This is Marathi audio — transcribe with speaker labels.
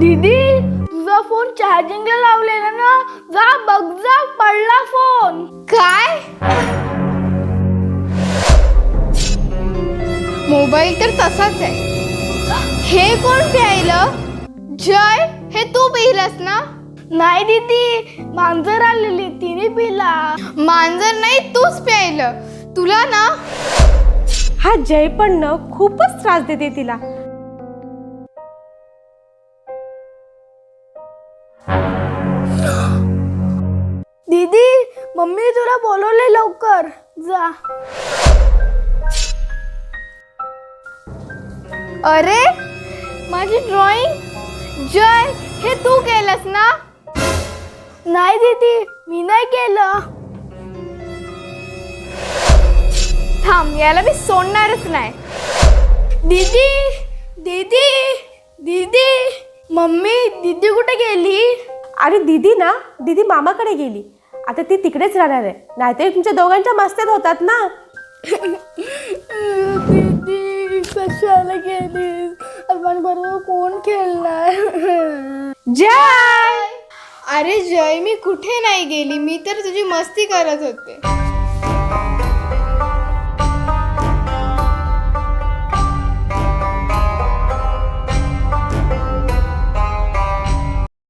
Speaker 1: दीदी तुझा फोन चार्जिंगला लावलेला ना, जा बघ जा, पडला फोन.
Speaker 2: काय? मोबाईल तर तसाच आहे. हे कोण प्यायलं? जय, हे तू पिलास ना?
Speaker 1: नाही दीदी, मांजर आलेली तिने पिला.
Speaker 2: मांजर नाही, तूच प्यायलं. तुला ना
Speaker 3: हा जय पण ना खूपच त्रास देते तिला.
Speaker 1: दीदी मम्मी तुला बोलवले, लवकर जा.
Speaker 2: अरे माझी ड्रॉइंग. जय, हे तू केलंस ना?
Speaker 1: नाही दीदी, मी नाही केलं.
Speaker 2: थांब, याला मी सोडणारच नाही.
Speaker 1: दीदी दीदी दीदी, मम्मी दीदी कुठे गेली?
Speaker 3: अरे दीदी ना, दीदी मामाकडे गेली. आता ती तिकडेच राहणार आहे, नाहीतर तुमच्या दोघांच्या मस्त्यात होतात ना.
Speaker 1: दीदी कशाला गेलीस? आपण बरोबर कोण खेळणार?
Speaker 2: जय, अरे जय, मी कुठे नाही गेली, मी तर तुझी मस्ती करत होते.